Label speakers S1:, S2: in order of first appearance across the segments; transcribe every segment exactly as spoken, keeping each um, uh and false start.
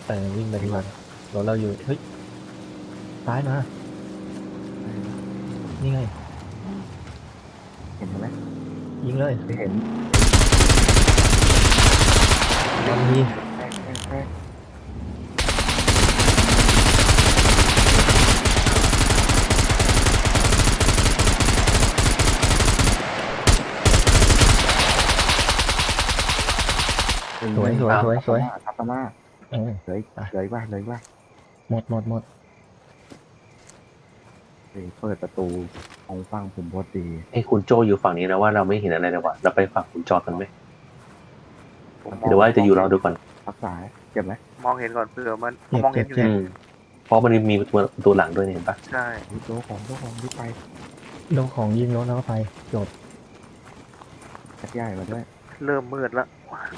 S1: แต่วิ่งไปดีกว่าเราเราอยู่เฮ้ยซ้ายมานี่ไง
S2: เห็นไหม
S1: ยิงเลย
S2: ไม่เห็น
S1: ตอนนี้
S2: แค่แค่แค่
S1: สวยสวยสวยสวย
S2: ทับตามา
S1: เออ
S2: เลยเลยว่าเลยว่า
S1: หมดหมดหมด
S2: เปิดประตูของฟังผมพอดี
S3: ไอ้คุณโจอยู่ฝั่งนี้นะว่าเราไม่เห็นอะไรเลยว่ะเราไปฝั่งคุณจอกันไหมหรือว่าจะอยู่รอดูก่อน
S2: รักษาเจ็บไหม
S4: มองเห็นก่อนเผื่อมัน
S1: เจ็บ
S4: มอง
S1: เจ็
S4: เห็
S1: บ
S4: นอยู่
S1: เจ็บ
S3: อืมเพราะมันมีประตูประตูหลังด้วยเนี่ยเห็นปะ
S4: ใช่
S2: โต๊ะของโต๊ะของรีบไป
S1: โดนของยิงรถแล้วก็ไปจบ
S2: แคทใหญ่มาด้วย
S4: เริ่มมืดแล้ว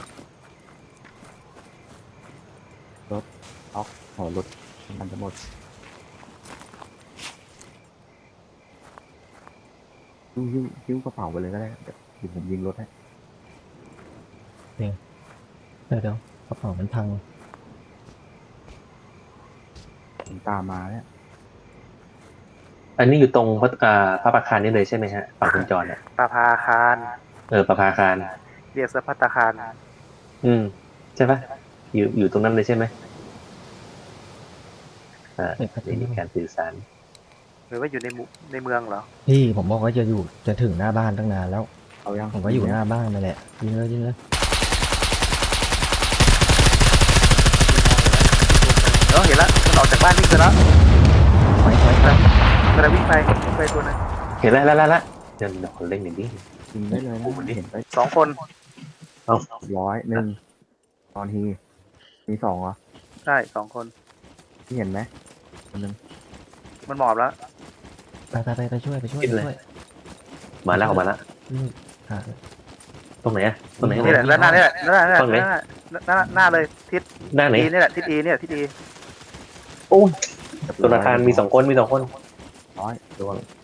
S2: ขอรถมันจะหมดยิ้วยิ้วยิ้วกระเป๋าไปเลยก็ได้เดี๋ยวผมยิงรถให้
S1: เดี๋ยวเดี๋ยวกระเป๋ามันพัง
S2: ผมตามมาเนี่ย
S3: อันนี้อยู่ตรงพระอ่าพระประคารนี่เลยใช่ไหมฮะฝั่งคุณจอเนี่ย
S4: ปลาพาคาร
S3: เออประภาคาร
S4: เรียกสะพัตตาคาร
S3: อืมใช่ปะอยู่อยู่ตรงนั้นเลยใช่ไหมอ่า
S1: เอกพัฒ
S3: นี่
S1: นา
S3: มีการสื่อสาร
S4: หรือว่าอยู่ในหมู่ในเมืองเหรอ
S1: พี่ผมบอกว่าจะอยู่จะถึงหน้าบ้านตั้งนานแล้ว
S2: เอายัง
S1: ผมก็อยู่หน้าบ้านนั่นแหละยิงเลยยิงเลย
S4: เออเห็นแล้วมันออกจากบ้านวิ่งไปแล้ว
S1: ไปไปไป
S4: กำลังวิ่งไปวิ่งไปตัวนึง
S3: เห็นแล้วแล้วแล้วแล้วเดี๋ยวเดี๋ยวขอเล่นหน่อยดิ
S2: ยิงได้เลยนะเห็นไป
S4: สองคน
S2: ร้อยหนึ่งตอนทีมีสองเหรอ
S4: ใช่สองคน
S2: ที่เห็นไหมคนหนึ่ง
S4: มันหมอบแล้ว
S1: ไปไปไปไปช่วยไปช่วยไปช่วย
S3: มาแล้วออกมาแล้ว
S1: นี่หา
S3: ตรงไหนอะตรงไหน
S4: นี่แหละแล้วหน้านี่แหละหน้านี่แหละ
S3: ตรงไหน
S4: หน้าหน้าหน้าเลยทิศ
S3: ด้านไหน
S4: อีนี่แหละทิศอีเนี่ยทิศอี
S3: โอ้ยตัวอาคารมีสองคนมีสองคน
S2: ร้อย
S3: ระวัง